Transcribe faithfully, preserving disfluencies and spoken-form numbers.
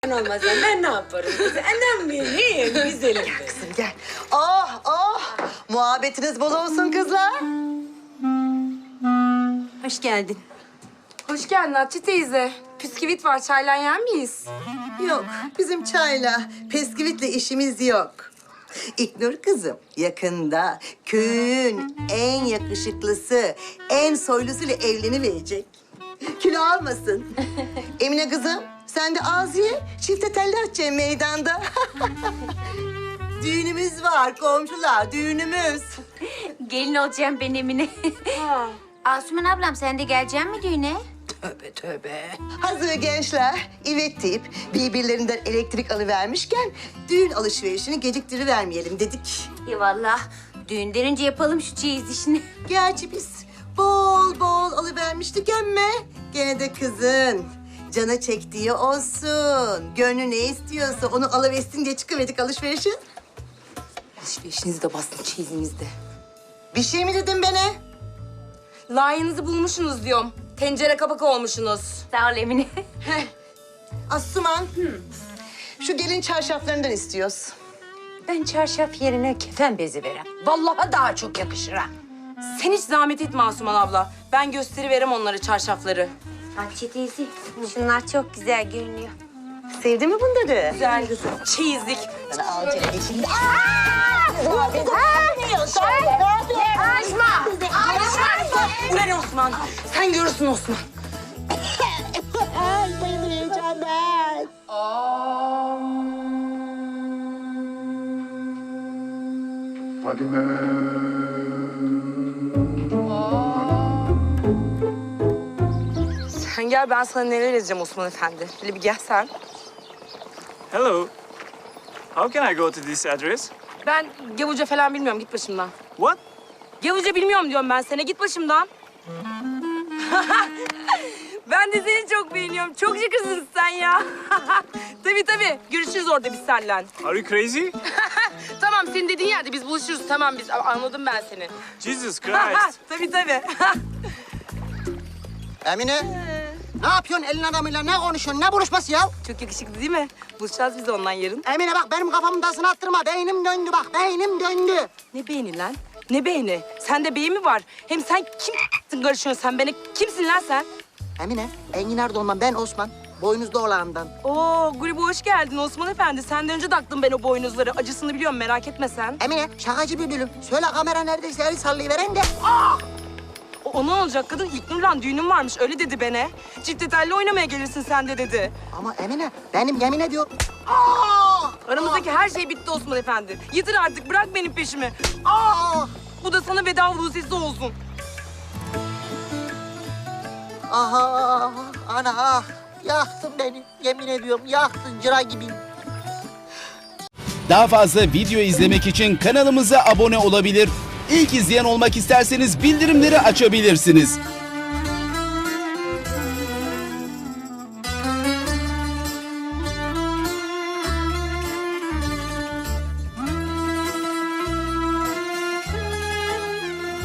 olmaz ben ne yaparım? Annem benim güzelim. Gel kızım gel. Oh oh. Muhabbetiniz bol olsun kızlar. Hoş geldin. Hoş geldin Hatice teyze. Püsküvit var, çayla yer miyiz? Yok bizim çayla, pesküvitle işimiz yok. İknur kızım yakında köyün en yakışıklısı, en soylusuyla evleniverecek. Kilo almasın. Emine kızım sen de az ye, çifte telli açacaksın meydanda. Düğünümüz var komşular, düğünümüz. Gelin olacağım ben Emine. Ha. Asuman ablam sen de geleceksin mi düğüne? Tövbe tövbe. Hazır gençler evet deyip birbirlerinden elektrik alıvermişken düğün alışverişini geciktirivermeyelim dedik. Eyvallah. Düğünden önce yapalım şu çeyiz işini. Gerçi biz bol bol alıvermiştik emme. Gene de kızın cana çektiği olsun. Gönlü ne istiyorsa onu alıversin diye çıkıverdik alışverişe. Alışverişinizi de bastın, çeyizinizi de. Bir şey mi dedim bana? Layığınızı bulmuşsunuz diyorum. Tencere kapak olmuşsunuz. Sağ ol Emine. Asuman, şu gelin çarşaflarından istiyoruz. Ben çarşaf yerine kefen bezi verem. Vallahi daha çok yakışır ha. Sen hiç zahmet etme Asuman abla. Ben gösteriverem onlara çarşafları. Hatice teyze, şunlar çok güzel görünüyor. Sevdin mi bunları? Güzel çeyizlik. Sana alacağım şimdi. Açma! Açma! Ulan Osman! Sen görürsün Osman. Fadime. Sen gel, ben sana neler edeceğim Osman Efendi. Şöyle bir gel sen. Hello. How can I go to this address? Ben gavurca falan bilmiyorum, git başımdan. What? Gavurca bilmiyorum diyorum ben sana, git başımdan. Ben de seni çok beğeniyorum. Çok şıkırsın sen ya. Tabii tabii. Görüşürüz orada biz seninle. Are you crazy? Tamam, senin dediğin yerde biz buluşuruz. Tamam, biz anladım ben seni. Jesus Christ. Tabii tabii. Emine, ne yapıyorsun elin adamıyla? Ne konuşuyorsun? Ne buluşması ya? Çok yakışıklı değil mi? Buluşacağız biz ondan yarın. Emine bak benim kafamın tasını attırma. Beynim döndü bak, beynim döndü. Ne beğeni lan? Ne beğeni? Sende beğeni mi var? Hem sen kimsin karışıyorsun sen? Beni kimsin lan sen? Emine, Enginar Dolman, ben Osman. Boynuzlu oğlandan. Oo, gruba hoş geldin Osman Efendi. Senden önce taktım ben o boynuzları. Acısını biliyorum, merak etme sen. Emine, şakacı bir bölüm. Söyle kamera neredeyse eli sallayıveren de. O, o ne olacak kadın? İlknur'la düğünüm varmış, öyle dedi bana. Çifte telli oynamaya gelirsin sen de dedi. Ama Emine, benim yemin ediyorum. Aramızdaki her şey bitti Osman Efendi. Yeter artık, bırak benim peşimi. Aa! Bu da sana veda vuzesi olsun. Aha, ana ah. Yaktın beni, yemin ediyorum. Yaktın, cıra gibiyim. Daha fazla video izlemek için kanalımıza abone olabilir. İlk izleyen olmak isterseniz bildirimleri açabilirsiniz.